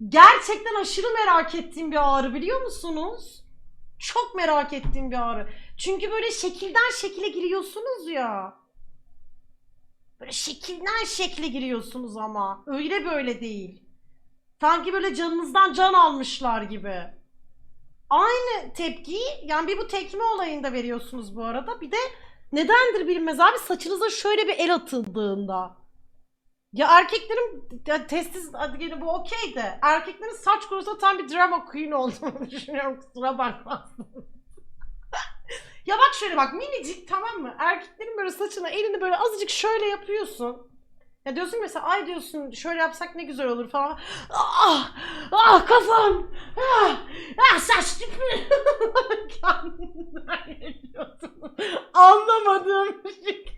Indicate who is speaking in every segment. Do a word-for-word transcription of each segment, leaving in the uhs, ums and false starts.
Speaker 1: Gerçekten aşırı merak ettiğim bir ağrı, biliyor musunuz? Çok merak ettiğim bir ağrı. Çünkü böyle şekilden şekile giriyorsunuz ya. Böyle şekilden şekle giriyorsunuz ama. Öyle böyle değil. Sanki böyle canınızdan can almışlar gibi. Aynı tepkiyi yani bir bu tekme olayında veriyorsunuz bu arada. Bir de nedendir bilinmez abi, saçınıza şöyle bir el atıldığında. Ya erkeklerin ya testis, hadi gene bu okey de, erkeklerin saç konusunda tam bir drama queen olduğunu düşünüyorum, kusura bakmazsın. Ya bak şöyle bak, minicik, tamam mı? Erkeklerin böyle saçına elini böyle azıcık şöyle yapıyorsun. Ya diyorsun mesela, ay diyorsun şöyle yapsak ne güzel olur falan. Ah, ah kafam, ah, ah saç tipi. Kendinden yaşıyorsun. Anlamadığım bir şey.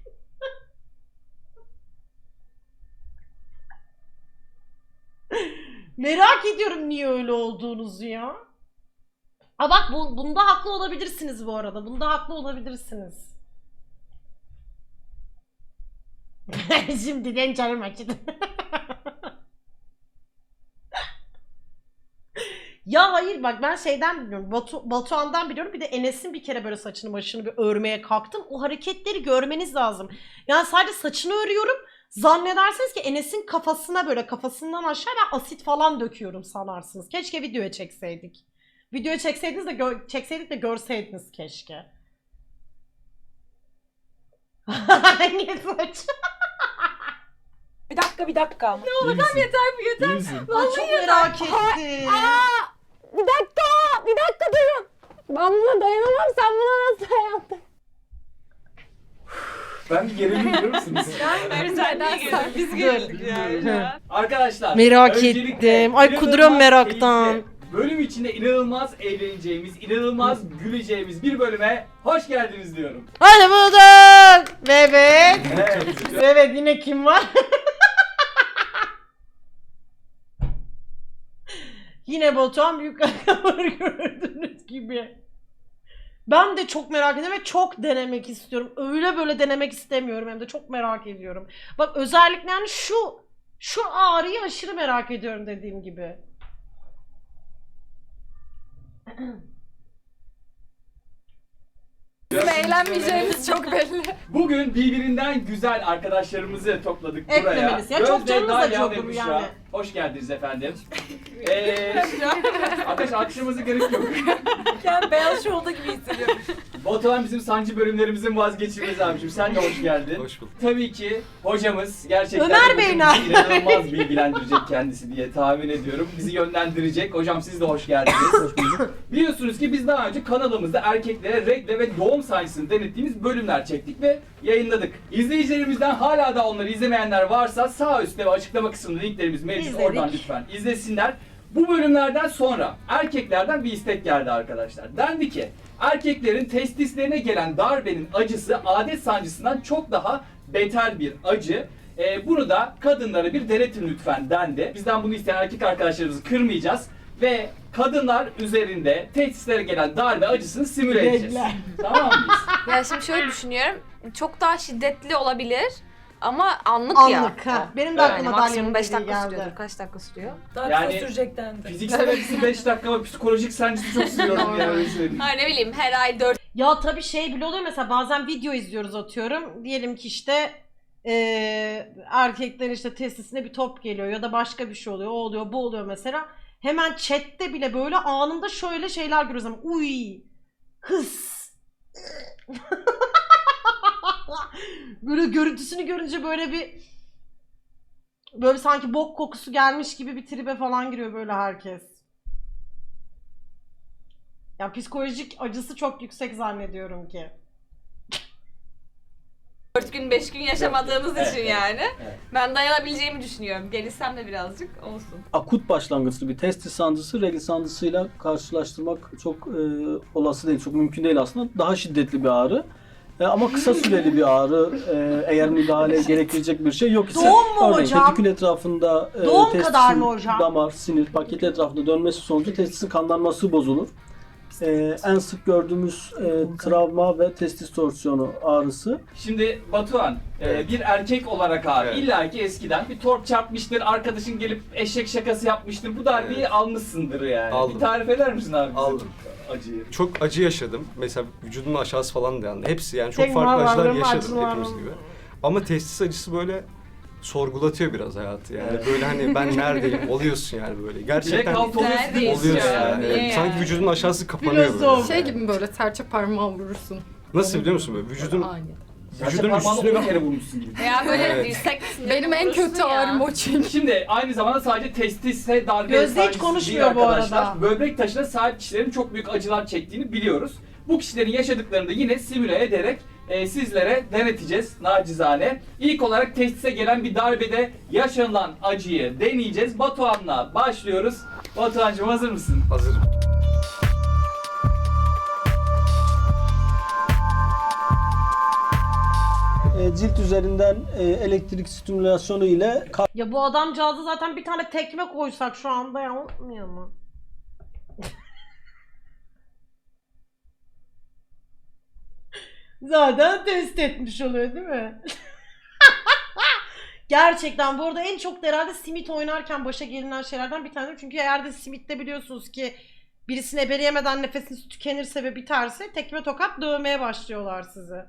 Speaker 1: Merak ediyorum niye öyle olduğunuzu ya. Aa bak, bu, bunda haklı olabilirsiniz bu arada. Bunda haklı olabilirsiniz. Şimdiden canım acıdı. Ya hayır bak, ben şeyden biliyorum. Batu, Batuhan'dan biliyorum. Bir de Enes'in bir kere böyle saçını başını bir örmeye kalktım. O hareketleri görmeniz lazım. Yani sadece saçını örüyorum. Zannedersiniz ki Enes'in kafasına böyle kafasından aşağı ben asit falan döküyorum sanarsınız. Keşke videoya çekseydik. Videoya çekseydiniz de gö- çekseydik de görseydiniz keşke. Hangi saç?
Speaker 2: Bir dakika bir dakika.
Speaker 3: Ne olur tam yeter bu yeter.
Speaker 1: Ay, çok merak ettim.
Speaker 2: Aa, bir dakika bir dakika durun. Ben buna dayanamam, sen buna nasıl dayandın?
Speaker 4: Ben bir gerilim biliyor musunuz?
Speaker 3: Mert'den sonra biz geldik yani.
Speaker 4: Arkadaşlar
Speaker 1: Merak
Speaker 4: öncelikle
Speaker 1: ettim. Ay,
Speaker 4: inanılmaz
Speaker 1: kuduruyorum meraktan.
Speaker 4: keyifli, bölüm içinde inanılmaz eğleneceğimiz, inanılmaz güleceğimiz bir bölüme hoş geldiniz diyorum.
Speaker 1: Hadi bulduk. Evet.
Speaker 4: Evet.
Speaker 1: Evet, yine kim var? Yine Batuhan büyük ayakkabıları gördüğünüz gibi. Ben de çok merak ediyorum ve çok denemek istiyorum. Öyle böyle denemek istemiyorum, hem de çok merak ediyorum. Bak özellikle yani şu şu ağrıyı aşırı merak ediyorum dediğim gibi.
Speaker 3: Bizim eğlenmeyeceğimiz çok belli.
Speaker 4: Bugün birbirinden güzel arkadaşlarımızı topladık buraya.
Speaker 1: Eklemeliyiz. Ya çok
Speaker 4: Gözde,
Speaker 1: canınız
Speaker 4: Dalya
Speaker 1: acıyor
Speaker 4: ve
Speaker 1: bu
Speaker 4: Büşra.
Speaker 1: yani.
Speaker 4: Hoş geldiniz efendim. Eee arkadaş alkışlamanıza gerek yok.
Speaker 3: Yani beyaz şovda gibi hissediyorum.
Speaker 4: Batuhan bizim sancı bölümlerimizin vazgeçilmezi abicim. Sen de hoş geldin.
Speaker 5: Hoş bulduk.
Speaker 4: Tabii ki hocamız gerçekten
Speaker 1: Ömer Bey
Speaker 4: bizi
Speaker 1: nerede?
Speaker 4: inanılmaz bilgilendirecek kendisi diye tahmin ediyorum. Bizi yönlendirecek. Hocam siz de hoş geldiniz. Hoş bulduk. Biliyorsunuz ki biz daha önce kanalımızda erkeklere regle ve doğum sancısını denettiğimiz bölümler çektik ve yayınladık. İzleyicilerimizden hala da onları izlemeyenler varsa sağ üstte ve açıklama kısmında linklerimiz mevcut.
Speaker 1: İzledik.
Speaker 4: Oradan lütfen izlesinler. Bu bölümlerden sonra erkeklerden bir istek geldi arkadaşlar. Dendi ki erkeklerin testislerine gelen darbenin acısı adet sancısından çok daha beter bir acı. Ee, bunu da kadınlara bir denetin lütfen dendi. Bizden bunu isteyen erkek arkadaşlarımızı kırmayacağız. Ve kadınlar üzerinde testislere gelen darbe acısını simüle edeceğiz. Tamam mıyız?
Speaker 3: Ya şimdi şöyle düşünüyorum. Çok daha şiddetli olabilir. Ama anlık, ya.
Speaker 1: Anlık ha. Benim de
Speaker 4: Evet.
Speaker 1: aklıma
Speaker 3: maksimum
Speaker 1: Dalya'nın
Speaker 3: beş
Speaker 1: dediği
Speaker 3: dakika
Speaker 1: geldi.
Speaker 3: sürüyordur. Kaç dakika sürüyor?
Speaker 2: Daha
Speaker 4: Yani-
Speaker 2: kısa sürecek dendi.
Speaker 4: Fiziksel acısı beş dakika ama psikolojik sancısı çok sürüyorum yani öyle söyleyeyim.
Speaker 3: Ha ne bileyim her ay dört
Speaker 1: Ya tabii şey bile oluyor, mesela bazen video izliyoruz atıyorum. Diyelim ki işte eee erkeklerin işte testisine bir top geliyor ya da başka bir şey oluyor. O oluyor, bu oluyor mesela. Hemen chatte bile böyle anında şöyle şeyler görüyoruz ama uy, hıs. Böyle görüntüsünü görünce böyle bir böyle sanki bok kokusu gelmiş gibi bir tribe falan giriyor böyle herkes. Ya psikolojik acısı çok yüksek zannediyorum ki.
Speaker 3: dört gün beş gün yaşamadığımız
Speaker 4: Evet,
Speaker 3: için
Speaker 4: evet,
Speaker 3: yani.
Speaker 4: evet.
Speaker 3: Ben dayanabileceğimi düşünüyorum. Gelişsem de birazcık olsun.
Speaker 5: Akut başlangıçlı bir testis sancısı regl sancısıyla karşılaştırmak çok e, olası değil, çok mümkün değil aslında. Daha şiddetli bir ağrı. E, ama kısa süreli bir ağrı. E, eğer müdahale gerektirecek bir şey yok ise,
Speaker 1: Doğum mu
Speaker 5: örneğin
Speaker 1: hocam?
Speaker 5: tetikül etrafında e,
Speaker 1: Doğum
Speaker 5: testisin
Speaker 1: kadar mı hocam?
Speaker 5: damar, sinir, paketi etrafında dönmesi sonucu testisin kanlanması bozulur. Ee, en sık gördüğümüz e, travma ve testis torsiyonu ağrısı.
Speaker 4: Şimdi Batuhan, e, bir erkek olarak abi
Speaker 6: Evet.
Speaker 4: illa ki eskiden bir torp çarpmıştır, arkadaşın gelip eşek şakası yapmıştır. Bu darbeyi
Speaker 6: Evet.
Speaker 4: almışsındır yani.
Speaker 6: Aldım.
Speaker 4: Bir tarif eder misin abi bize
Speaker 6: Aldım.
Speaker 4: bu acıyı?
Speaker 6: Çok acı yaşadım. Mesela vücudumun aşağısı falan da yandı. Hepsi yani çok
Speaker 1: Tek
Speaker 6: farklı acılar
Speaker 1: varlığım
Speaker 6: yaşadım
Speaker 1: acılarım.
Speaker 6: hepimiz gibi. Ama testis acısı böyle sorgulatıyor biraz hayatı yani.
Speaker 4: Evet.
Speaker 6: Böyle hani ben neredeyim oluyorsun yani böyle. Gerçekten
Speaker 4: Direkt kalk oluyorsun.
Speaker 3: Neredeyiz
Speaker 6: oluyorsun
Speaker 3: ya?
Speaker 6: yani.
Speaker 3: Niye
Speaker 6: Sanki
Speaker 3: yani?
Speaker 6: vücudun aşağısı kapanıyor
Speaker 1: Biraz
Speaker 6: böyle.
Speaker 1: zor.
Speaker 7: Şey gibi mi böyle serçe parmağı vurursun?
Speaker 6: Nasıl biliyor musun böyle vücudun
Speaker 7: Aynı.
Speaker 6: vücudun
Speaker 4: Parmağını
Speaker 6: üstüne
Speaker 4: on kere vurmuşsun gibi.
Speaker 3: Veya böyle
Speaker 6: Evet.
Speaker 3: dirsek kısmında
Speaker 7: Benim en
Speaker 3: vurursun
Speaker 7: kötü
Speaker 3: ya.
Speaker 7: ağrım o çünkü.
Speaker 4: Şimdi aynı zamanda sadece testise darbe
Speaker 1: Gözde hiç
Speaker 4: sancısı
Speaker 1: konuşmuyor
Speaker 4: değil
Speaker 1: bu
Speaker 4: arkadaşlar.
Speaker 1: arada.
Speaker 4: Böbrek taşına sahip kişilerin çok büyük acılar çektiğini biliyoruz. Bu kişilerin yaşadıklarını da yine simüle ederek e, sizlere deneteceğiz nacizane. İlk olarak testise gelen bir darbede yaşanılan acıyı deneyeceğiz. Batuhan'la başlıyoruz. Batuhan'cığım hazır mısın?
Speaker 6: hazırım.
Speaker 5: E, cilt üzerinden e, elektrik stimülasyonu ile
Speaker 1: Ya bu adamcağıza zaten bir tane tekme koysak şu anda ya olmuyor mu? Zaten test etmiş oluyor değil mi? Gerçekten bu arada en çok da herhalde simit oynarken başa gelinen şeylerden bir tanesi. Çünkü eğer de simitte biliyorsunuz ki birisini ebeleyemeden nefesiniz tükenirse ve biterse tekme tokat dövmeye başlıyorlar sizi.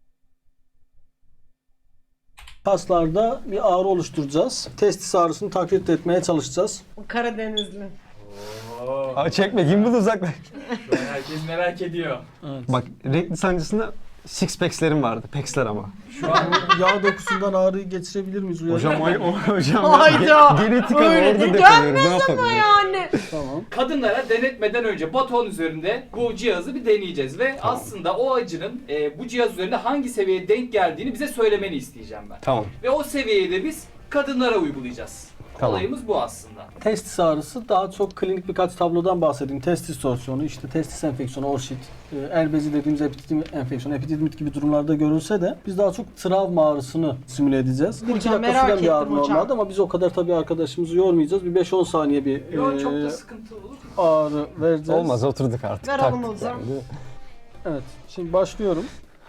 Speaker 5: kaslarda bir ağrı oluşturacağız. Testis ağrısını taklit etmeye çalışacağız.
Speaker 1: O Karadenizli.
Speaker 8: Abi çekme, gimbal uzaklaş.
Speaker 4: Şu an herkes merak ediyor.
Speaker 8: Bak, renkli sancısında six packs'lerim vardı. Packs'ler ama.
Speaker 4: Şu an
Speaker 5: Yağ dokusundan ağrıyı geçirebilir miyiz? Uyarı?
Speaker 8: Hocam, o, o, hocam.
Speaker 1: Hayda!
Speaker 8: Genetik
Speaker 1: Öyle
Speaker 8: ama
Speaker 1: de
Speaker 8: orada deponuyorum. Ne
Speaker 1: gelmez
Speaker 8: yapabilirim?
Speaker 1: Yani.
Speaker 5: Tamam.
Speaker 4: kadınlara denetmeden önce Batuhan üzerinde bu cihazı bir deneyeceğiz ve
Speaker 8: Tamam.
Speaker 4: aslında o acının e, bu cihaz üzerinde hangi seviyeye denk geldiğini bize söylemeni isteyeceğim ben.
Speaker 8: Tamam.
Speaker 4: Ve o seviyeyi de biz kadınlara uygulayacağız.
Speaker 8: Tamam.
Speaker 4: Olayımız bu aslında.
Speaker 5: Testis ağrısı daha çok klinik birkaç tablodan bahsedeyim. Testis torsiyonu, işte testis enfeksiyonu, orşit, e, el bezi dediğimiz epididim enfeksiyonu, epididimit gibi durumlarda görülse de biz daha çok travma ağrısını simüle edeceğiz. Bir iki
Speaker 1: Hocam,
Speaker 5: dakika
Speaker 1: merak
Speaker 5: süren bir ağrı
Speaker 1: ettim hocam.
Speaker 5: normalde ama biz o kadar tabii arkadaşımızı yormayacağız. Bir beş on saniye bir
Speaker 4: Yo,
Speaker 5: e,
Speaker 4: çok da sıkıntı olur.
Speaker 5: ağrı vereceğiz.
Speaker 8: Olmaz, oturduk artık.
Speaker 1: Ver
Speaker 8: taktık
Speaker 1: alın hocam.
Speaker 8: yani, değil mi?
Speaker 5: Evet, şimdi başlıyorum.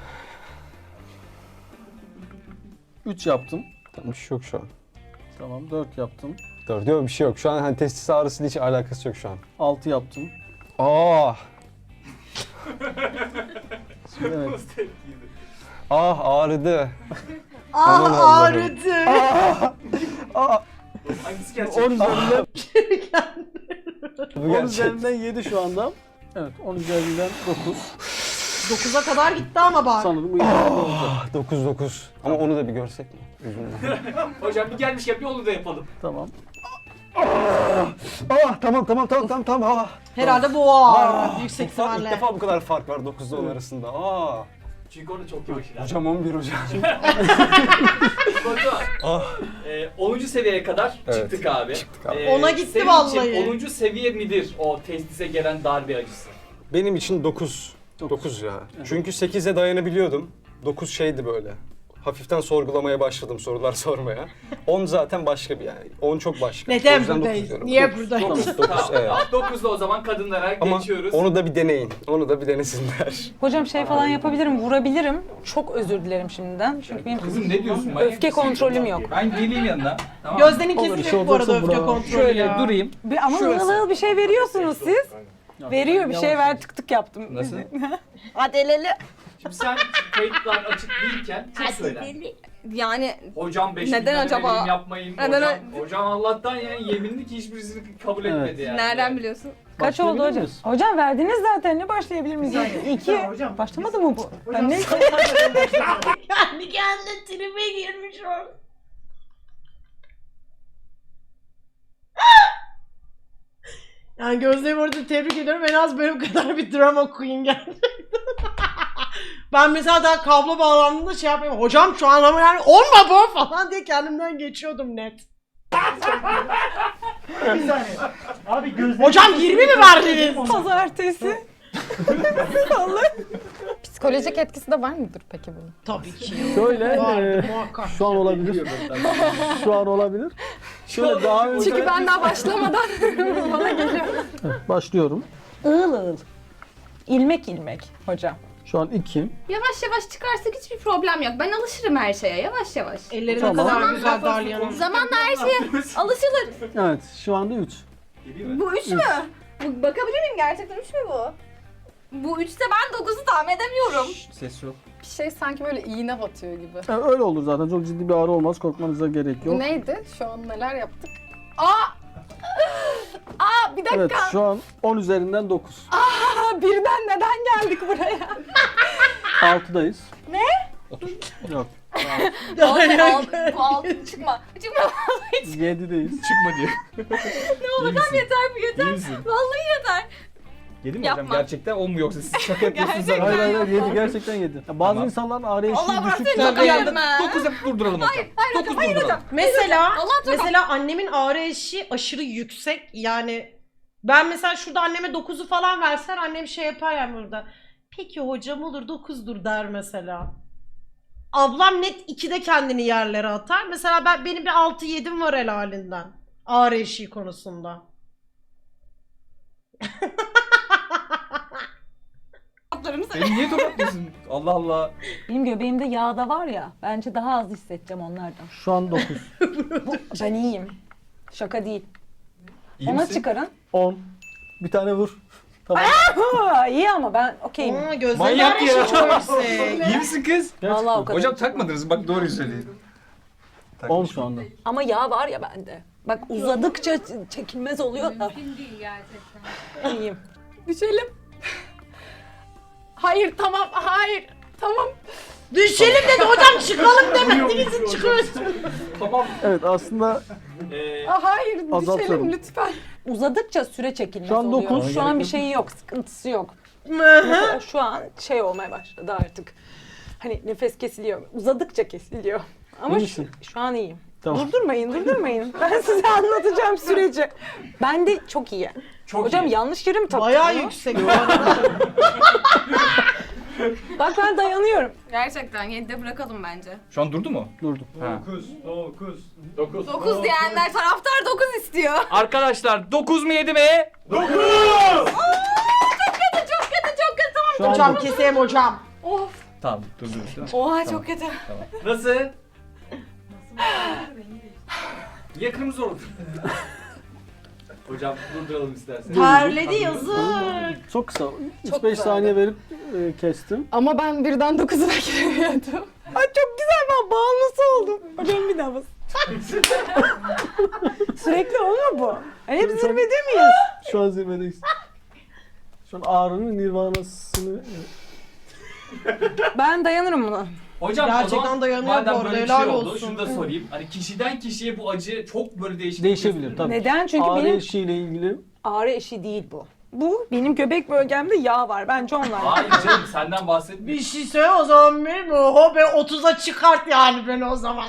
Speaker 5: üç yaptım.
Speaker 8: Tamam, bir şey yok şu an.
Speaker 5: Tamam, dört yaptım.
Speaker 8: Dört, yok bir şey yok. Şu an hani testis ağrısıyla hiç alakası yok şu an.
Speaker 5: altı yaptım.
Speaker 8: Ah!
Speaker 5: Şimdi evet.
Speaker 8: Ah, ağrıdı.
Speaker 1: Ah
Speaker 8: Aman Allah'ım.
Speaker 1: ağrıdı.
Speaker 4: Hangisi gerçek?
Speaker 5: on üzerinden,
Speaker 8: Bu
Speaker 5: on
Speaker 8: gerçek.
Speaker 5: üzerinden yedi şu anda. Evet, on üzerinden dokuz.
Speaker 1: dokuza kadar gitti ama bak.
Speaker 5: Sanırım bu yeterli olacak.
Speaker 8: Ah, dokuz dokuz. Ama onu da bir görsek mi? Yüzünden.
Speaker 4: Hocam bir gelmişken bir onu da yapalım.
Speaker 5: Tamam.
Speaker 8: Ah, tamam tamam tamam tamam tamam. Ah.
Speaker 1: Herhalde bu ağrı
Speaker 8: Ah,
Speaker 1: yüksek
Speaker 8: bu fark- İlk
Speaker 1: ihtimalle.
Speaker 8: defa bu kadar fark var dokuzda on arasında. Aa.
Speaker 4: Çünkü orada çok yavaş ilerliyor.
Speaker 8: Hocam on bir hocam.
Speaker 4: Batuhan,
Speaker 8: Ah.
Speaker 4: e, onuncu seviyeye kadar
Speaker 8: Evet,
Speaker 4: çıktık abi.
Speaker 8: çıktık abi.
Speaker 4: E,
Speaker 1: Ona gitti
Speaker 4: senin
Speaker 1: vallahi.
Speaker 4: için onuncu seviye midir o testise gelen darbe acısı?
Speaker 8: Benim için dokuz. dokuz ya. Çünkü sekize dayanabiliyordum. dokuz şeydi böyle. Hafiften sorgulamaya başladım, sorular sormaya. on zaten başka bir yani. on çok başka. O
Speaker 1: Neden
Speaker 8: yüzden dokuz
Speaker 1: buradayız?
Speaker 8: diyorum.
Speaker 1: Niye
Speaker 8: Dokuz,
Speaker 1: buradayız?
Speaker 8: dokuz, dokuz,
Speaker 4: Tamam,
Speaker 8: evet.
Speaker 4: tamam. dokuzda o zaman kadınlara
Speaker 8: Ama
Speaker 4: geçiyoruz.
Speaker 8: onu da bir deneyin. Onu da bir denesinler.
Speaker 2: Hocam şey falan yapabilirim, vurabilirim. Çok özür dilerim şimdiden. Çünkü benim
Speaker 4: Kızım ne diyorsun? Manyak
Speaker 2: öfke
Speaker 4: mısın?
Speaker 2: kontrolüm yok.
Speaker 4: Ben geleyim yanına. Tamam.
Speaker 1: Gözde'nin
Speaker 2: Olur.
Speaker 1: kesin
Speaker 5: şey
Speaker 1: yok bu arada
Speaker 5: olursa
Speaker 1: öfke
Speaker 5: bravo.
Speaker 1: kontrolü
Speaker 4: Şöyle
Speaker 1: ya.
Speaker 4: durayım.
Speaker 2: Bir, ama ığıl ığıl bir şey veriyorsunuz siz. Veriyor bir şey ver tık tık yaptım.
Speaker 4: Nasıl?
Speaker 2: Hadi el ele.
Speaker 4: Şimdi sen kayıtlar açık değilken çok söyler.
Speaker 7: Yani
Speaker 4: Hocam beş
Speaker 7: Neden
Speaker 4: bin lira
Speaker 7: acaba?
Speaker 4: verim yapmayın.
Speaker 7: Neden
Speaker 4: hocam,
Speaker 7: ö-
Speaker 4: hocam Allah'tan yani yeminli ki hiçbirisini kabul
Speaker 5: Evet.
Speaker 4: etmedi yani.
Speaker 7: nereden biliyorsun?
Speaker 2: Kaç oldu
Speaker 5: Başlayabilir
Speaker 2: hocam?
Speaker 5: miyiz?
Speaker 2: Hocam verdiniz zaten ne başlayabilir miyiz yani? İki. Başlamadı mı bu? Ben ne?
Speaker 1: Kendi kendine tribe girmiş o. Yani Gözde'yi bu arada tebrik ediyorum. En az benim kadar bir drama queen gerçekten. Ben mesela daha kablo bağlandığında şey yapayım. Hocam şu an ama yani olma bu falan diye kendimden geçiyordum net.
Speaker 9: Bir saniye. Abi gözlerim...
Speaker 1: Hocam yirmi mi verdiniz?
Speaker 2: Pazartesi.
Speaker 7: Psikolojik etkisi de var mıdır peki bunun?
Speaker 1: Tabii ki.
Speaker 5: Şöyle,
Speaker 1: Vardır
Speaker 5: e,
Speaker 1: muhakkak.
Speaker 5: şu an olabilir. Şu an olabilir. Şöyle daha önce
Speaker 7: Çünkü ben daha başlamadan bana geliyor.
Speaker 5: başlıyorum.
Speaker 2: Iğıl ığıl.
Speaker 7: İlmek ilmek hocam.
Speaker 5: Şu an iki.
Speaker 2: Yavaş yavaş çıkarsak hiçbir problem yok. Ben alışırım her şeye yavaş yavaş.
Speaker 1: Elleri ne
Speaker 5: Tamam.
Speaker 1: kadar güzel Dalya'nın.
Speaker 2: Zamanla her şeye alışılır.
Speaker 5: Evet şu anda üç.
Speaker 2: Bu üç mü? Bu, bakabilir miyim gerçekten üç mü bu? Bu üçte ben dokuzu tahmin edemiyorum.
Speaker 6: Ses yok.
Speaker 7: Bir şey sanki böyle iğne batıyor gibi.
Speaker 5: Yani öyle olur zaten. Çok ciddi bir ağrı olmaz. Korkmanıza gerek yok.
Speaker 7: Bu neydi? Şu an neler yaptık? Aa! Aa bir dakika.
Speaker 5: Evet şu an on üzerinden dokuz.
Speaker 7: Aa, birden neden geldik buraya?
Speaker 5: altıdayız.
Speaker 7: Ne?
Speaker 5: Yok.
Speaker 2: Bu altın çıkma. Çıkma.
Speaker 5: yedideyiz.
Speaker 6: Çıkma diye.
Speaker 2: Ne olur tam yeter bu yeter.
Speaker 6: İyi misin?
Speaker 2: Vallahi yeter.
Speaker 6: Yedi mi
Speaker 2: Yapma.
Speaker 6: hocam? Gerçekten on mu yoksa siz şaka yapıyorsunuz?
Speaker 2: Gerçekten.
Speaker 5: Hayır hayır hayır, yedi gerçekten yedi. Ya bazı
Speaker 6: Tamam.
Speaker 5: insanların ağrı eşiği
Speaker 2: Allah
Speaker 5: düşük.
Speaker 2: bırak
Speaker 1: Tabii.
Speaker 2: seni yapma.
Speaker 6: dokuz yapıp durduralım hocam.
Speaker 2: Hayır, hayır hocam,
Speaker 6: dokuz
Speaker 2: hayır
Speaker 6: durduralım.
Speaker 2: hocam.
Speaker 1: Mesela
Speaker 2: Allah çok-
Speaker 1: mesela annemin ağrı eşiği aşırı yüksek. Yani ben mesela şurada anneme dokuzu falan versen annem şey yapar yani burada. Peki hocam olur dokuzdur der mesela. Ablam net ikide kendini yerlere atar. Mesela ben benim bir altı yedim var helalinden. Ağrı eşiği konusunda.
Speaker 6: Beni niye tokatlıyorsun? Allah Allah.
Speaker 10: Benim göbeğimde yağ da var ya, bence daha az hissedeceğim onlardan.
Speaker 5: Şu an dokuz.
Speaker 10: Ben iyiyim. Şaka değil.
Speaker 6: İyi
Speaker 10: Ona
Speaker 6: misin?
Speaker 10: çıkarın.
Speaker 5: on. Bir tane vur. Tamam.
Speaker 10: Ha, iyi ama ben okeyim.
Speaker 1: Aa, gözlerin
Speaker 6: Manyak
Speaker 1: ağrı
Speaker 6: ya.
Speaker 1: eşiği çok yüksek.
Speaker 6: İyi misin kız?
Speaker 10: Vallahi o kadar.
Speaker 6: Hocam takmadınız bak doğruyu söyleyin.
Speaker 5: on şu anda.
Speaker 10: Ama yağ var ya bende. Bak uzadıkça ç- çekilmez oluyor da.
Speaker 2: Mümkün değil gerçekten.
Speaker 10: İyiyim.
Speaker 7: Düşelim. Hayır tamam hayır. Tamam.
Speaker 1: Düşelim dedi hocam çıkalım demedi bizim çıkıyorsun.
Speaker 6: Tamam.
Speaker 5: Evet aslında
Speaker 6: Ee,
Speaker 7: Aa, hayır
Speaker 5: Azaltıyorum.
Speaker 7: düşelim lütfen.
Speaker 10: Uzadıkça süre çekilmez
Speaker 5: Şu an
Speaker 10: oluyor.
Speaker 5: dokuz.
Speaker 10: Şu an bir şeyi yok, sıkıntısı yok. Mesela şu an şey olmaya başladı artık. Hani nefes kesiliyor. Uzadıkça kesiliyor. Ama
Speaker 5: İyi
Speaker 10: şu,
Speaker 5: misin?
Speaker 10: şu an iyiyim.
Speaker 5: Tamam.
Speaker 10: Durdurmayın, durdurmayın. Ben size anlatacağım süreci. Ben de çok iyi.
Speaker 4: Çok
Speaker 10: Hocam
Speaker 4: iyi.
Speaker 10: yanlış yere mi taktım?
Speaker 1: Bayağı
Speaker 10: ya?
Speaker 1: yüksek bu arada.
Speaker 10: Bak ben dayanıyorum.
Speaker 2: Gerçekten yedide bırakalım bence.
Speaker 6: şu an durdu mu?
Speaker 5: durdum.
Speaker 4: dokuz, dokuz, dokuz.
Speaker 2: dokuz diyenler taraftar dokuz istiyor.
Speaker 4: Arkadaşlar dokuz mu yedi mi?
Speaker 2: Çok kötü çok kötü çok kötı tamam.
Speaker 5: Şu an
Speaker 1: Hocam
Speaker 5: dokuz.
Speaker 1: keseyim hocam.
Speaker 2: Of.
Speaker 6: Tamam durdurmuş değil mi?
Speaker 2: Oha çok kötü.
Speaker 4: Nasıl? Niye kırmızı oldu? Hocam durduralım istersen.
Speaker 1: Terledi yazık.
Speaker 5: Çok kısa. üç beş
Speaker 7: güzeldi.
Speaker 5: saniye verip e, kestim.
Speaker 7: Ama ben birden dokuzuna giremiyordum.
Speaker 10: Ay çok güzel, ben bağımlısı oldum. Hocam bir daha bas. Sürekli olma bu. Hani hep zirvede miyiz?
Speaker 5: Şu an zirvedeyiz. Şu an ağrının nirvanasını...
Speaker 10: Ben dayanırım buna.
Speaker 4: Hocam
Speaker 1: Gerçekten
Speaker 4: o zaman
Speaker 1: dayanıyor bu
Speaker 4: madem
Speaker 1: arada,
Speaker 4: böyle bir
Speaker 1: helal
Speaker 4: şey oldu
Speaker 1: olsun.
Speaker 4: şunu da sorayım. Hani kişiden kişiye bu acı çok böyle değişik.
Speaker 5: Değişebilir tabii.
Speaker 10: Neden? Çünkü
Speaker 5: Ağrı
Speaker 10: benim
Speaker 5: eşiğiyle ilgili
Speaker 10: ağrı eşiği değil bu. Bu benim göbek bölgemde yağ var. Bence onlar.
Speaker 4: Hayır canım senden bahsetmiyorum.
Speaker 1: Bir şey söyle o zaman benim oho be otuza çıkart yani beni o zaman.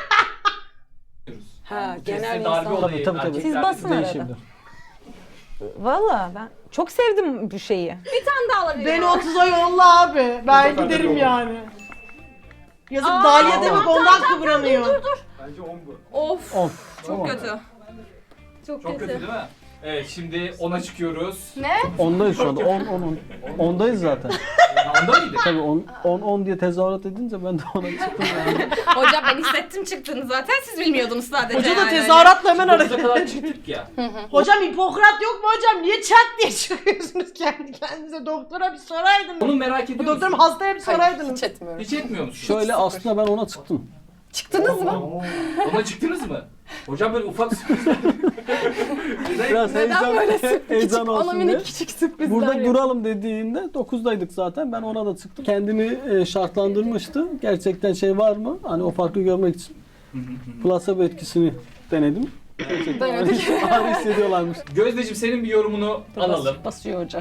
Speaker 10: Ha,
Speaker 4: Keste
Speaker 10: genel
Speaker 4: darbe
Speaker 10: insan.
Speaker 4: olayı
Speaker 5: Tabii, tabii, tabii.
Speaker 10: Siz
Speaker 4: erkeklerde
Speaker 10: basın arada.
Speaker 5: değişebilir.
Speaker 10: Valla ben çok sevdim bu şeyi.
Speaker 2: Bir tane daha alabilirim.
Speaker 1: Beni otuza yolla abi. Ben
Speaker 4: Mutlaka
Speaker 1: giderim
Speaker 4: yolla.
Speaker 1: yani. Yazık
Speaker 2: Aa,
Speaker 1: Dalia demek
Speaker 2: tamam,
Speaker 1: ondan kıvranıyor.
Speaker 4: Bence on bu.
Speaker 2: Of.
Speaker 5: Of.
Speaker 2: Çok
Speaker 5: Tamam.
Speaker 2: kötü. Çok,
Speaker 4: Çok kötü değil mi? Evet şimdi ona çıkıyoruz.
Speaker 2: Ne?
Speaker 5: Ondayız şu anda. on, on, on. Ondayız zaten.
Speaker 4: Onda mıydı?
Speaker 5: Tabii on, on, on diye tezahürat edince ben de ona çıktım yani.
Speaker 2: Hocam ben hissettim çıktığını zaten siz bilmiyordunuz sadece
Speaker 1: Hoca da
Speaker 2: yani.
Speaker 1: tezahüratla hemen
Speaker 4: dokuza
Speaker 1: arıyor.
Speaker 4: kadar çıktık ya.
Speaker 1: Hocam Hipokrat yok mu hocam? Niye çat diye çıkıyorsunuz kendi kendinize? Doktora bir soraydınız.
Speaker 4: Onu merak ediyor
Speaker 1: Bu
Speaker 4: musun?
Speaker 1: doktorum hastaya bir
Speaker 7: Hayır
Speaker 1: soraydınız.
Speaker 7: hiç etmiyorum.
Speaker 4: Hiç etmiyor musun?
Speaker 5: Şöyle aslında ben ona çıktım.
Speaker 7: Çıktınız mı?
Speaker 4: Ona çıktınız mı? Hocam böyle ufak
Speaker 5: Biraz
Speaker 7: Neden
Speaker 5: heyecan,
Speaker 7: böyle sürpriz
Speaker 5: heyecan
Speaker 7: küçük, ona
Speaker 5: olsun diye.
Speaker 7: minik küçük sürprizler
Speaker 5: Burada
Speaker 7: yapıyor.
Speaker 5: duralım dediğinde dokuzdaydık zaten. Ben ona da çıktım. Kendimi e, şartlandırmıştı. Gerçekten şey var mı? Hani o farkı görmek için. Plasebo etkisini denedim. Gerçekten
Speaker 7: Denedik.
Speaker 5: ağrı, ağrı hissediyorlarmış.
Speaker 4: Gözdeciğim senin bir yorumunu alalım.
Speaker 10: Basıyor hocam.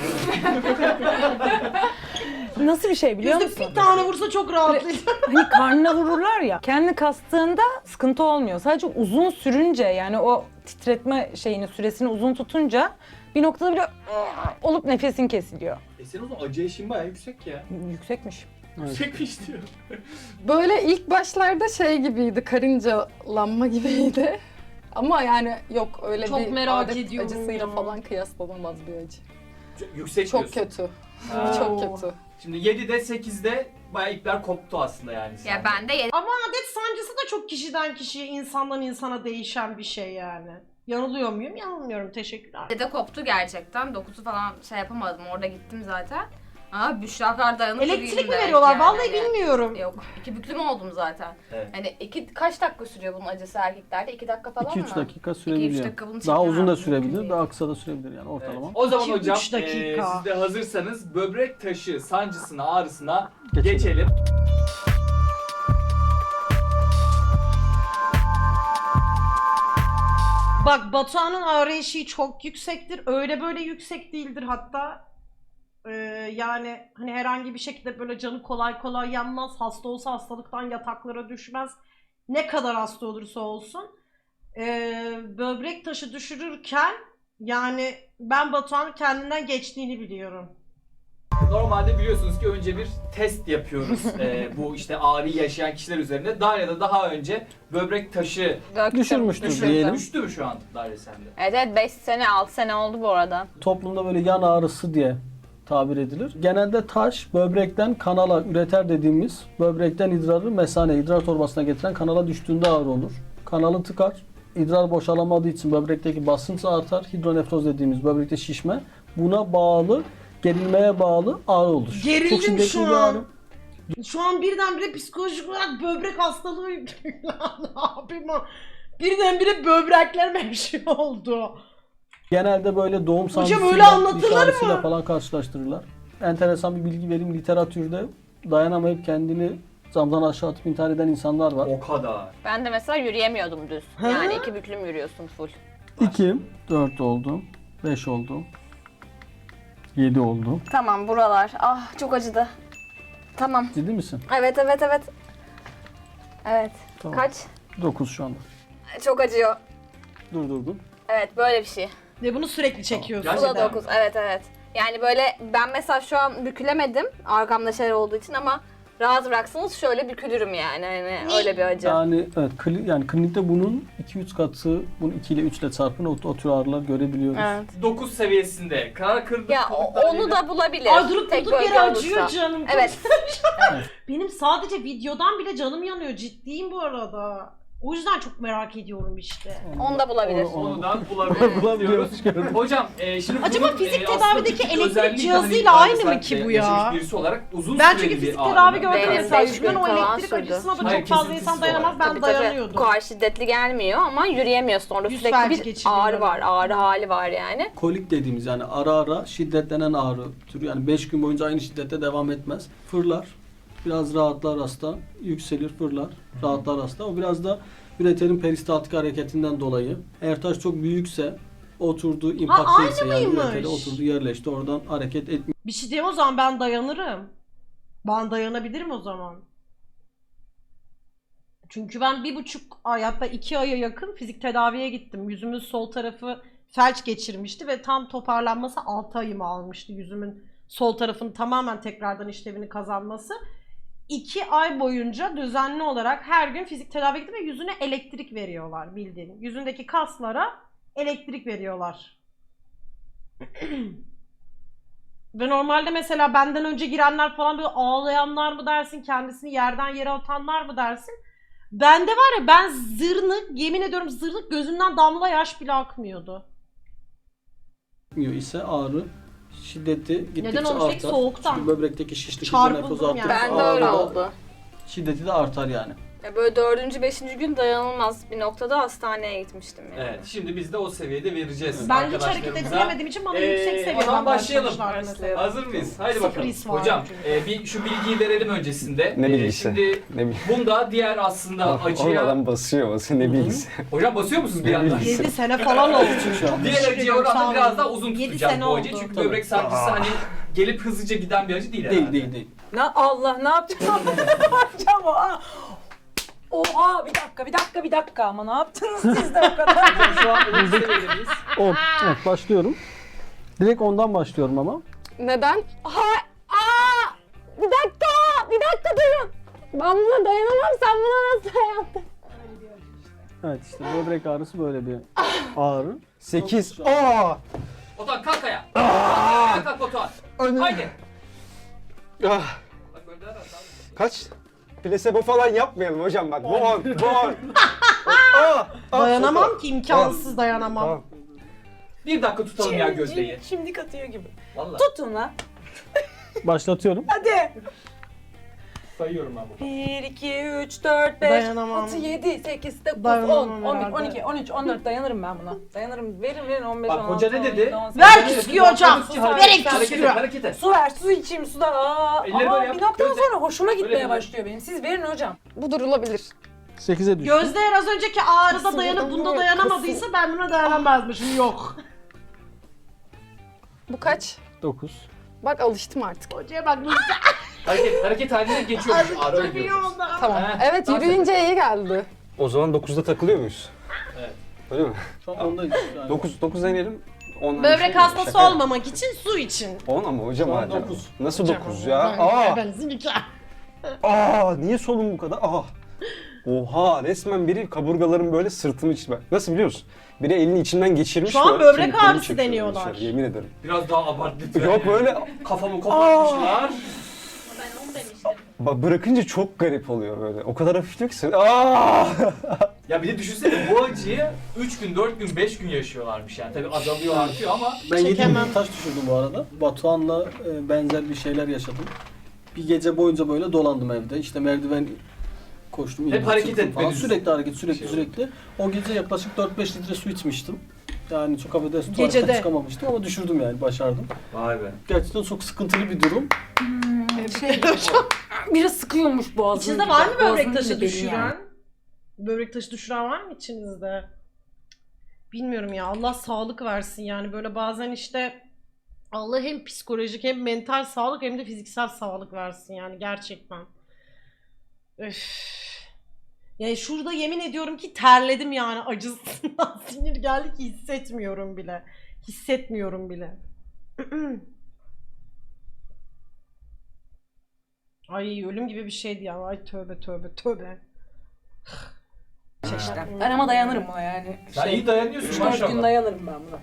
Speaker 10: Nasıl bir şey biliyor
Speaker 1: Yüzde
Speaker 10: musun?
Speaker 1: bir tane vursa çok rahatlayacağım.
Speaker 10: Hani karnına vururlar ya. Kendini kastığında sıkıntı olmuyor. Sadece uzun sürünce yani o titretme şeyini süresini uzun tutunca bir noktada bile olup nefesin kesiliyor.
Speaker 4: E senin o zaman acı eşiğin bayağı yüksek ya.
Speaker 10: Yüksekmiş.
Speaker 4: Yüksekmiş diyor.
Speaker 7: Böyle ilk başlarda şey gibiydi, karıncalanma gibiydi. Ama yani yok öyle
Speaker 1: Çok
Speaker 7: bir
Speaker 1: merak
Speaker 7: adet
Speaker 1: ediyorum
Speaker 7: acısıyla
Speaker 1: ya.
Speaker 7: falan kıyaslanamaz bir acı.
Speaker 4: Yüksek
Speaker 7: Çok
Speaker 4: diyorsun.
Speaker 7: kötü.
Speaker 4: Ha.
Speaker 7: Çok kötü.
Speaker 4: Şimdi yedide sekizde bayağı ipler koptu aslında yani.
Speaker 3: Ya
Speaker 4: sende.
Speaker 3: ben de
Speaker 1: Ama adet sancısı da çok kişiden kişiye, insandan insana değişen bir şey yani. Yanılıyor muyum? Yanılmıyorum. Teşekkürler.
Speaker 3: yedide koptu gerçekten. dokuzu falan şey yapamadım. Orada gittim zaten. Aa Büşra kadar dayanıp
Speaker 1: Elektrik
Speaker 3: yürüdüm
Speaker 1: mi
Speaker 3: de.
Speaker 1: veriyorlar?
Speaker 3: Yani
Speaker 1: Vallahi
Speaker 3: hani-
Speaker 1: bilmiyorum.
Speaker 3: Yok. iki büklüm oldum zaten.
Speaker 4: Evet.
Speaker 3: Hani iki, kaç dakika sürüyor bunun acısı erkeklerde? iki dakika falan
Speaker 5: iki
Speaker 3: mı?
Speaker 5: üç dakika
Speaker 3: iki üç
Speaker 5: sürebiliyor.
Speaker 3: dakika bunu
Speaker 5: Daha
Speaker 3: çekemem,
Speaker 5: uzun da
Speaker 3: mümkün
Speaker 5: sürebilir,
Speaker 3: değil.
Speaker 5: daha kısa da sürebilir yani
Speaker 4: Evet.
Speaker 5: ortalama.
Speaker 4: O zaman
Speaker 1: İki,
Speaker 4: hocam
Speaker 1: üç dakika.
Speaker 4: eee, siz de hazırsanız böbrek taşı sancısına, ağrısına
Speaker 5: Geçelim.
Speaker 4: geçelim.
Speaker 1: Bak Batuhan'ın ağrı eşiği çok yüksektir. Öyle böyle yüksek değildir hatta. Ee, yani hani herhangi bir şekilde böyle canı kolay kolay yanmaz. Hasta olsa hastalıktan yataklara düşmez. Ne kadar hasta olursa olsun. Ee, böbrek taşı düşürürken yani ben Batuhan'ın kendinden geçtiğini biliyorum.
Speaker 4: Normalde biliyorsunuz ki önce bir test yapıyoruz eee, bu işte ağrıyı yaşayan kişiler üzerinde. Darya'da daha önce böbrek taşı
Speaker 10: Döktüm.
Speaker 5: Düşürmüştür
Speaker 4: düştü.
Speaker 5: diyelim.
Speaker 4: Düştü mü şu an Darya sende?
Speaker 10: Evet evet beş sene altı sene oldu bu arada.
Speaker 5: Toplumda böyle yan ağrısı diye tabir edilir. Genelde taş böbrekten kanala üreter dediğimiz böbrekten idrarı mesane, idrar torbasına getiren kanala düştüğünde ağrı olur. Kanalı tıkar. İdrar boşalamadığı için böbrekteki basınç artar. Hidronefroz dediğimiz böbrekte şişme. Buna bağlı, gerilmeye bağlı ağrı olur.
Speaker 1: Gerildim
Speaker 5: Çok şiddetli
Speaker 1: şu
Speaker 5: bir
Speaker 1: an.
Speaker 5: ağrı.
Speaker 1: Şu an birdenbire psikolojik olarak böbrek hastalığı ne yapayım o? Birdenbire böbreklerime bir şey oldu.
Speaker 5: Genelde böyle doğum sancısıyla,
Speaker 1: öyle anlatılır
Speaker 5: diş ağrısıyla
Speaker 1: mı?
Speaker 5: falan karşılaştırırlar. Enteresan bir bilgi vereyim. Literatürde dayanamayıp kendini camdan aşağı atıp intihar eden insanlar var.
Speaker 4: O kadar.
Speaker 10: Ben de mesela yürüyemiyordum düz.
Speaker 1: Ha?
Speaker 10: Yani iki büklüm yürüyorsun full.
Speaker 5: iki, dört oldu, beş oldu, yedi oldu.
Speaker 3: Tamam buralar. Ah çok acıdı. Tamam.
Speaker 5: Ciddi misin?
Speaker 3: Evet evet evet. Evet.
Speaker 5: Tamam.
Speaker 3: Kaç?
Speaker 5: dokuz şu anda.
Speaker 3: Çok acıyor.
Speaker 5: Durdurdum.
Speaker 3: Evet böyle bir şey.
Speaker 1: Ve bunu sürekli çekiyorsun.
Speaker 3: Bu
Speaker 4: Gerçekten
Speaker 3: da
Speaker 4: mi?
Speaker 3: dokuz. Evet evet. Yani böyle ben mesela şu an bükülemedim arkamda şeyler olduğu için ama rahat bıraksanız şöyle bükülürüm yani. Hani öyle bir acı.
Speaker 5: Yani evet, kli, yani klinikte bunun iki üç katı, bunu iki ile üç ile çarpın o, o tür ağrılar görebiliyoruz.
Speaker 3: Evet.
Speaker 4: dokuz seviyesinde karar kırdık.
Speaker 3: Ya o-
Speaker 4: kırdık
Speaker 3: onu da bulabilir.
Speaker 1: Ay durup
Speaker 3: Tek
Speaker 1: durduk
Speaker 3: bölge
Speaker 1: yere
Speaker 3: olursa.
Speaker 1: acıyor canım.
Speaker 3: Evet.
Speaker 1: Benim sadece videodan bile canım yanıyor. Ciddiyim bu arada. O yüzden çok merak ediyorum işte.
Speaker 3: Onu da bulabilir.
Speaker 5: Onu-
Speaker 4: Onu da bulabiliyoruz.
Speaker 5: Bulabiliyoruz, gördüm.
Speaker 4: Hocam e, şimdi
Speaker 1: Acaba
Speaker 4: bunun,
Speaker 1: fizik
Speaker 4: e, aslında
Speaker 1: tedavideki
Speaker 4: bir
Speaker 1: elektrik
Speaker 4: özelliği de
Speaker 1: cihazıyla
Speaker 4: hani
Speaker 1: aynı mı
Speaker 4: Darya
Speaker 1: ki
Speaker 4: sen
Speaker 1: bu ya?
Speaker 4: yaşamış birisi olarak uzun
Speaker 1: Ben
Speaker 4: süreli
Speaker 1: çünkü
Speaker 4: bir
Speaker 1: fizik
Speaker 4: ağrı.
Speaker 1: tedavi gördüm
Speaker 3: Benim
Speaker 1: mesela.
Speaker 3: beş
Speaker 1: Yüzümden
Speaker 3: gün
Speaker 1: o
Speaker 3: falan
Speaker 1: elektrik
Speaker 3: sürdü.
Speaker 1: acısına da
Speaker 4: Hayır,
Speaker 1: çok fazla
Speaker 4: kesintisiz
Speaker 1: insan dayanamaz.
Speaker 4: olarak.
Speaker 1: Ben
Speaker 3: Tabii tabii.
Speaker 1: dayanıyordum.
Speaker 3: Bu kadar şiddetli gelmiyor ama yürüyemiyorsun. Orada
Speaker 1: Yüz
Speaker 3: sürekli
Speaker 1: felci
Speaker 3: bir
Speaker 1: geçiriyorum.
Speaker 3: ağrı var. Ağrı hali var yani.
Speaker 5: Kolik dediğimiz yani ara ara şiddetlenen ağrı türü, yani beş gün boyunca aynı şiddette devam etmez. Fırlar, biraz rahatlar hasta, yükselir, fırlar, rahatlar hasta. O biraz da üreterin peristaltik hareketinden dolayı. Eğer taş çok büyükse, oturduğu
Speaker 1: aynı
Speaker 5: impakteyse yani
Speaker 1: mıymış?
Speaker 5: üretere oturdu, yerleşti, oradan hareket etmiyor.
Speaker 1: Bir şey diyeyim o zaman ben dayanırım. Ben dayanabilirim o zaman. Çünkü ben bir buçuk ay hatta iki aya yakın fizik tedaviye gittim. Yüzümün sol tarafı felç geçirmişti ve tam toparlanması altı ayımı almıştı. Yüzümün sol tarafının tamamen tekrardan işlevini kazanması. iki ay boyunca düzenli olarak her gün fizik tedaviye gittim ve yüzüne elektrik veriyorlar bildiğin. Yüzündeki kaslara elektrik veriyorlar. Ve normalde mesela benden önce girenler falan böyle ağlayanlar mı dersin, kendisini yerden yere atanlar mı dersin? Bende var ya ben zırnık, yemin ediyorum zırnık gözümden damla yaş bile akmıyordu.
Speaker 5: ise ağrı şiddeti gittikçe
Speaker 1: Neden olmuş? Peki
Speaker 5: artar.
Speaker 1: soğuktan.
Speaker 5: Çünkü böbrekteki şişlik
Speaker 1: Çarpıldım
Speaker 5: nefes
Speaker 1: yani.
Speaker 5: artarsa
Speaker 3: Ben de öyle
Speaker 5: ağrı da-
Speaker 3: oldu.
Speaker 5: şiddeti de artar yani.
Speaker 3: Ya böyle dördüncü, beşinci gün dayanılmaz bir noktada hastaneye gitmiştim yani.
Speaker 4: Evet, şimdi biz de o seviyede vereceğiz
Speaker 1: Ben hiç hareket
Speaker 4: arkadaşlarımıza.
Speaker 1: edilemediğim için bana
Speaker 4: Ee,
Speaker 1: yüksek
Speaker 4: o
Speaker 1: seviyeden
Speaker 4: zaman başlayalım.
Speaker 1: başlamışlardı mesela.
Speaker 4: Hazır mıyız? Haydi
Speaker 1: Sıfır
Speaker 4: bakalım.
Speaker 1: his var
Speaker 4: Hocam,
Speaker 1: çünkü.
Speaker 4: e, bir şu bilgiyi verelim öncesinde.
Speaker 8: Ne
Speaker 4: E,
Speaker 8: bilgisi?
Speaker 4: Şimdi
Speaker 8: Ne bileyim.
Speaker 4: bunda diğer aslında acıya...
Speaker 8: Oradan basıyor basıyor ne bilgisi.
Speaker 4: Hocam basıyor musunuz bir yandan?
Speaker 1: yedi sene falan oldu.
Speaker 5: Şu an.
Speaker 4: Diğer acıya oranla biraz daha uzun
Speaker 1: Yedi
Speaker 4: tutacağım
Speaker 1: sene
Speaker 4: bu acıyı.
Speaker 1: oldu.
Speaker 4: Çünkü
Speaker 5: Tabii.
Speaker 4: böbrek sancısı hani gelip hızlıca giden bir acı değil herhalde.
Speaker 5: Değil değil değil.
Speaker 10: Ne Allah ne yapacağım? ne yapacağım o? Aa! Oha bir dakika bir dakika bir dakika ama ne yaptınız siz de o kadar?
Speaker 4: Hocam şu an ödül seviyedeyiz.
Speaker 5: on. Evet, başlıyorum. Direkt ondan başlıyorum ama.
Speaker 7: Neden?
Speaker 2: Ha, aa, bir dakika, bir dakika durun. Ben buna dayanamam, sen buna nasıl dayandın?
Speaker 5: Evet işte böbrek ağrısı böyle bir ağrı.
Speaker 8: sekiz. Aa!
Speaker 4: Batuhan kalk ayağa. Kalk ayağa kalk Batuhan. Haydi.
Speaker 8: Ah,
Speaker 4: Bak böyle daha rahat abi.
Speaker 8: kaç? Plasebo falan yapmayalım hocam bak. Bu on, bu on. Aa, aa,
Speaker 1: Dayanamam ki, imkansız dayanamam.
Speaker 8: Tamam.
Speaker 4: Bir dakika tutalım ya Gözde'yi.
Speaker 10: Şimdi katıyor gibi.
Speaker 4: Vallahi.
Speaker 10: Tutun lan.
Speaker 5: Başlatıyorum.
Speaker 10: Hadi.
Speaker 4: Sayıyorum ben bunu.
Speaker 10: bir, iki, üç, dört, beş,
Speaker 1: Dayanamam.
Speaker 10: altı, yedi, sekiz, dokuz, on,
Speaker 1: Dayanamam
Speaker 10: on bir,
Speaker 1: herhalde.
Speaker 10: on iki, on üç, on dört dayanırım ben buna. Dayanırım. Verin verin on beş,
Speaker 4: Bak,
Speaker 10: on altı,
Speaker 4: hoca ne
Speaker 10: on
Speaker 4: dedi?
Speaker 10: yedi, on sekiz.
Speaker 1: Ver küsküyü hocam.
Speaker 4: Hareket,
Speaker 1: Ver
Speaker 4: hareket, hareket
Speaker 1: küsküyü.
Speaker 4: et, hareket et.
Speaker 10: Su ver, su içeyim sudan. Aa,
Speaker 4: Elleri
Speaker 10: ama
Speaker 4: böyle yap,
Speaker 10: bir noktadan
Speaker 4: gözle-
Speaker 10: sonra hoşuma gitmeye
Speaker 4: Böyle böyle.
Speaker 10: başlıyor benim. Siz verin hocam.
Speaker 7: Bu durulabilir.
Speaker 5: sekize düştü.
Speaker 1: Gözde eğer az önceki ağrıda
Speaker 7: Kısım
Speaker 1: dayanıp
Speaker 7: adam
Speaker 1: bunda
Speaker 7: var,
Speaker 1: dayanamadıysa ben buna dayanamazmışım. Yok.
Speaker 7: Bu kaç?
Speaker 5: dokuz.
Speaker 7: Bak alıştım artık.
Speaker 1: Hocaya bak nasıl
Speaker 4: Hareket, hareket haline geçiyormuş. Ağrı öyle
Speaker 1: iyi
Speaker 4: diyoruz.
Speaker 1: oldu.
Speaker 7: Tamam.
Speaker 4: He,
Speaker 7: Evet,
Speaker 4: dans
Speaker 7: yürüyünce iyi geldi.
Speaker 8: O zaman dokuzda takılıyor muyuz?
Speaker 4: Evet.
Speaker 8: Öyle mi?
Speaker 5: Şu an ondayız. Yani.
Speaker 8: dokuz, dokuz deneyelim. on
Speaker 1: Böbrek hastası olmamak için su için.
Speaker 8: on ama hocam
Speaker 5: Şu an
Speaker 8: hala.
Speaker 5: dokuz.
Speaker 8: Nasıl dokuz ya?
Speaker 1: Ben,
Speaker 8: Aa!
Speaker 1: ben zilika.
Speaker 8: Aa! Niye solum bu kadar? Aa! Oha! Resmen biri kaburgalarım böyle sırtımı içine. Nasıl biliyor musun? Biri elini içinden geçirmiş.
Speaker 1: Şu an
Speaker 8: böyle
Speaker 1: böbrek
Speaker 8: kemiklerimi
Speaker 1: ağrısı
Speaker 8: çekiyor
Speaker 1: deniyorlar.
Speaker 8: dışarı, yemin ederim.
Speaker 4: Biraz daha abart lütfen.
Speaker 8: Yok böyle
Speaker 4: Kafamı kopartmışlar.
Speaker 8: Ba- bırakınca çok garip oluyor böyle. O kadar hafifliyor ki sen. Aa!
Speaker 4: Ya bir de düşünsene bu acıyı üç gün, dört gün, beş gün yaşıyorlarmış yani. Tabii azalıyor, artıyor ama
Speaker 5: Ben yedi
Speaker 1: Çekemem.
Speaker 5: bin taş düşürdüm bu arada. Batuhan'la e, benzer bir şeyler yaşadım. Bir gece boyunca böyle dolandım evde. İşte merdiven koştum.
Speaker 4: Hep
Speaker 5: indim,
Speaker 4: hareket
Speaker 5: çıktım falan.
Speaker 4: etmeniz.
Speaker 5: Sürekli hareket, sürekli
Speaker 4: Şey
Speaker 5: sürekli. O gece yaklaşık dört beş litre su içmiştim. Yani çok affedersin
Speaker 1: Gecede.
Speaker 5: tuvaletten çıkamamıştım ama düşürdüm yani, başardım.
Speaker 4: vay be.
Speaker 5: Gerçekten çok sıkıntılı bir durum.
Speaker 10: Şey, biraz sıkıyormuş boğazını.
Speaker 1: İçinizde var mı
Speaker 10: Boğazını
Speaker 1: böbrek taşı
Speaker 10: bile deli
Speaker 1: düşüren?
Speaker 10: yani.
Speaker 1: Böbrek taşı düşüren var mı içinizde? Bilmiyorum ya, Allah sağlık versin yani, böyle bazen işte Allah hem psikolojik hem mental sağlık hem de fiziksel sağlık versin yani, gerçekten. Öf. Yani şurada yemin ediyorum ki terledim yani acısından, sinir geldi ki hissetmiyorum bile. Hissetmiyorum bile. Ay ölüm gibi bir şeydi ya. Ay tövbe tövbe tövbe.
Speaker 10: İşte. Ben ama dayanırım buna yani.
Speaker 4: Sen iyi dayanıyorsun
Speaker 10: üç dört gün
Speaker 4: maşallah.
Speaker 10: dayanırım ben buna.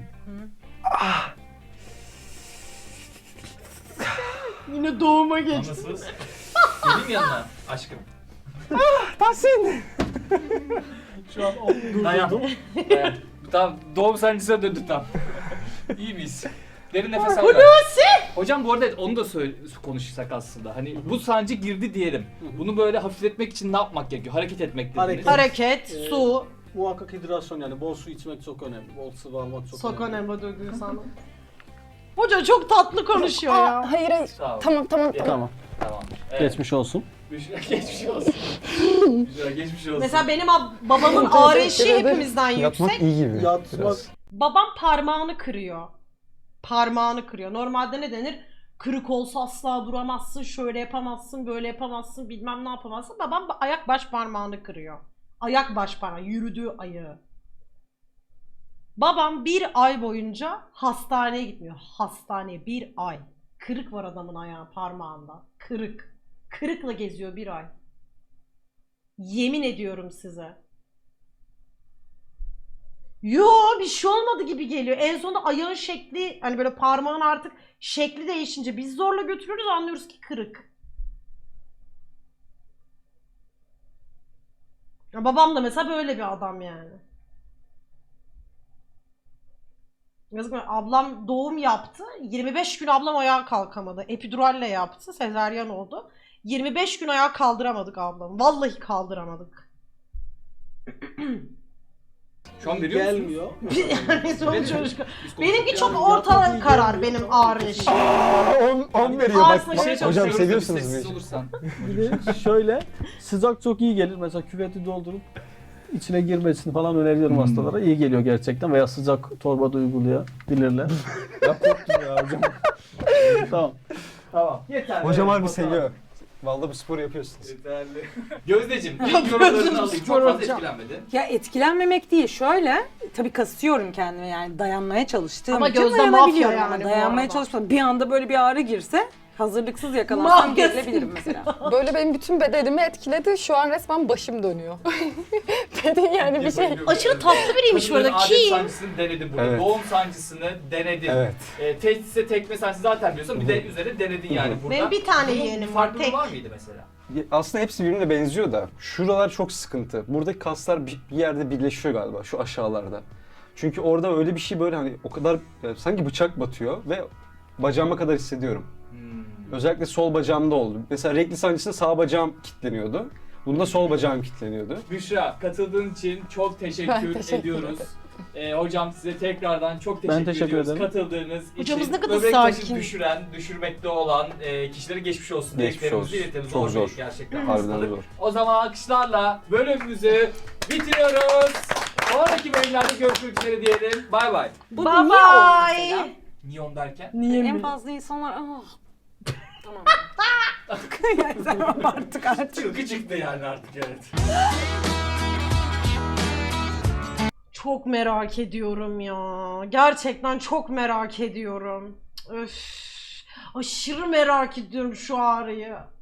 Speaker 1: Yine doğuma geçti.
Speaker 4: Anlasız. Geleyim yanına aşkım.
Speaker 8: Tahsin!
Speaker 5: Şu an o durdurdum.
Speaker 4: Dayan. Dayan. Tamam, doğum sancısına döndü tam. İyi miyiz? Derin nefes al.
Speaker 1: Hulusi!
Speaker 4: Hocam bu arada onu da söyle, konuşsak aslında. Hani bu sancı girdi diyelim. Bunu böyle hafifletmek için ne yapmak gerekiyor? Hareket etmek dediniz.
Speaker 5: Hareket.
Speaker 1: Hareket,
Speaker 5: Ee,
Speaker 1: su.
Speaker 5: Muhakkak hidrasyon, yani bol su içmek çok önemli. Bol sıvı almak çok
Speaker 1: Sok
Speaker 5: önemli.
Speaker 1: önemli döküyor sana. Hoca çok tatlı konuşuyor
Speaker 7: Aa,
Speaker 1: ya.
Speaker 7: hayır hayır.
Speaker 4: Sağ ol.
Speaker 7: Tamam tamam tamam.
Speaker 5: Tamam.
Speaker 4: Tamam. Evet.
Speaker 5: Geçmiş olsun.
Speaker 4: Büşra geçmiş olsun. Büşra geçmiş olsun.
Speaker 1: Mesela benim ab- babamın ağrı eşiği
Speaker 7: Teşekkür ederim.
Speaker 1: hepimizden
Speaker 8: Yatmak
Speaker 1: yüksek.
Speaker 8: iyi gibi.
Speaker 5: Yatmak.
Speaker 8: biraz.
Speaker 1: Babam parmağını kırıyor. Parmağını kırıyor. Normalde ne denir? Kırık olsa asla duramazsın, şöyle yapamazsın, böyle yapamazsın, bilmem ne yapamazsın. Babam ayak baş parmağını kırıyor. Ayak baş parmağı, yürüdüğü ayağı. Babam bir ay boyunca hastaneye gitmiyor. Hastaneye bir ay. Kırık var adamın ayağı, parmağında. Kırık. Kırıkla geziyor bir ay. Yemin ediyorum size. Yo, bir şey olmadı gibi geliyor. En sonunda ayağın şekli, hani böyle parmağın artık şekli değişince biz zorla götürürüz, anlıyoruz ki kırık. Ya babam da mesela böyle bir adam yani. Yazık mı? Ablam doğum yaptı. yirmi beş gün ablam ayağa kalkamadı. Epiduralle yaptı. Sezaryen oldu. yirmi beş gün ayağa kaldıramadık ablamı. Vallahi kaldıramadık.
Speaker 4: Şu an veriyor musunuz?
Speaker 5: Gelmiyor.
Speaker 1: Yani sonuç çocuk.
Speaker 4: Biz
Speaker 1: Benimki
Speaker 4: konuşurken-
Speaker 1: çok
Speaker 5: Yani
Speaker 1: orta
Speaker 5: yatmak iyi
Speaker 1: karar
Speaker 5: gelmiyor.
Speaker 1: benim ağrı eşiğim.
Speaker 8: on, on veriyor
Speaker 1: Ağzına
Speaker 8: bak.
Speaker 1: şey
Speaker 8: Hocam
Speaker 4: Çalışıyoruz da
Speaker 8: seviyorsunuz
Speaker 4: bir
Speaker 8: bu
Speaker 4: sessiz
Speaker 8: işi.
Speaker 4: olursan.
Speaker 5: Bir de şöyle, sıcak çok iyi gelir. Mesela küveti doldurup içine girmesini falan öneriyorum
Speaker 4: Hmm.
Speaker 5: hastalara. İyi geliyor gerçekten. Veya sıcak torba da uygulayabilirler.
Speaker 8: Ya korktum ya hocam.
Speaker 5: Tamam.
Speaker 4: Tamam. Yeter.
Speaker 8: Hocam
Speaker 4: Evet,
Speaker 8: harbi
Speaker 4: bakalım.
Speaker 8: seviyor. Vallahi bu spor yapıyorsunuz.
Speaker 4: Yeterli. Gözdeciğim, ilk yorumlarını alayım. Çok fazla etkilenmedi.
Speaker 10: Ya etkilenmemek değil, şöyle tabii kasıyorum kendimi yani dayanmaya çalıştığım
Speaker 1: Ama
Speaker 10: için
Speaker 1: Gözde
Speaker 10: dayanabiliyorum
Speaker 1: mafya
Speaker 10: ama
Speaker 1: yani bu
Speaker 10: dayanmaya
Speaker 1: arada.
Speaker 10: çalışmam. Bir anda böyle bir ağrı girse Hazırlıksız yakalansam
Speaker 1: Magazin.
Speaker 10: gerilebilirim mesela.
Speaker 7: Böyle benim bütün bedenimi etkiledi. Şu an resmen başım dönüyor. Beden yani bir şey.
Speaker 1: Aşırı tatlı biriymiş bu arada.
Speaker 4: Kadınların adet
Speaker 1: Kim?
Speaker 4: sancısını denedin burada.
Speaker 8: Evet.
Speaker 4: Doğum sancısını denedin.
Speaker 8: Evet.
Speaker 4: E, testis'e tekme sancısı zaten biliyorsun. Bir de üzerine denedin yani burada.
Speaker 1: Benim bir tane
Speaker 4: Bunun
Speaker 1: yeğenim var,
Speaker 4: farklılığı
Speaker 1: tek.
Speaker 4: var mıydı mesela?
Speaker 8: Aslında hepsi birbirine benziyor da şuralar çok sıkıntı. Buradaki kaslar bir bir yerde birleşiyor galiba şu aşağılarda. Çünkü orada öyle bir şey böyle hani o kadar yani sanki bıçak batıyor ve bacağıma kadar hissediyorum.
Speaker 4: Hmm.
Speaker 8: Özellikle sol bacağımda oldu. Mesela regl sancısında sağ bacağım kilitleniyordu. Bunda sol bacağım kilitleniyordu.
Speaker 4: Büşra, katıldığın için çok teşekkür,
Speaker 7: Ben teşekkür
Speaker 4: ediyoruz. Ee, hocam size tekrardan çok teşekkür,
Speaker 5: Ben teşekkür
Speaker 4: ediyoruz.
Speaker 5: ederim.
Speaker 4: Katıldığınız
Speaker 1: Hocamız
Speaker 4: için
Speaker 1: ne kadar
Speaker 4: böbrek taşı
Speaker 1: sakin.
Speaker 4: düşüren, düşürmekte olan e, kişilere geçmiş olsun.
Speaker 8: Geçmiş
Speaker 4: dileklerimizi
Speaker 8: olsun.
Speaker 4: iletelim.
Speaker 8: Çok
Speaker 4: bir
Speaker 8: zor.
Speaker 4: iş gerçekten.
Speaker 8: Harbiden
Speaker 4: hastalık.
Speaker 8: zor.
Speaker 4: O zaman alkışlarla bölümümüzü bitiriyoruz. Sonraki bölümlerde görüşmek üzere diyelim. Bay bay.
Speaker 10: Bu
Speaker 1: Bye
Speaker 10: niye o mesela?
Speaker 1: bye.
Speaker 4: Neon derken?
Speaker 10: En fazla insanlar ah. Tamam. yani sen artık artık.
Speaker 4: Çılgı çıktı yani artık evet.
Speaker 1: Çok merak ediyorum ya. Gerçekten çok merak ediyorum. Öf. Aşırı merak ediyorum şu ağrıyı.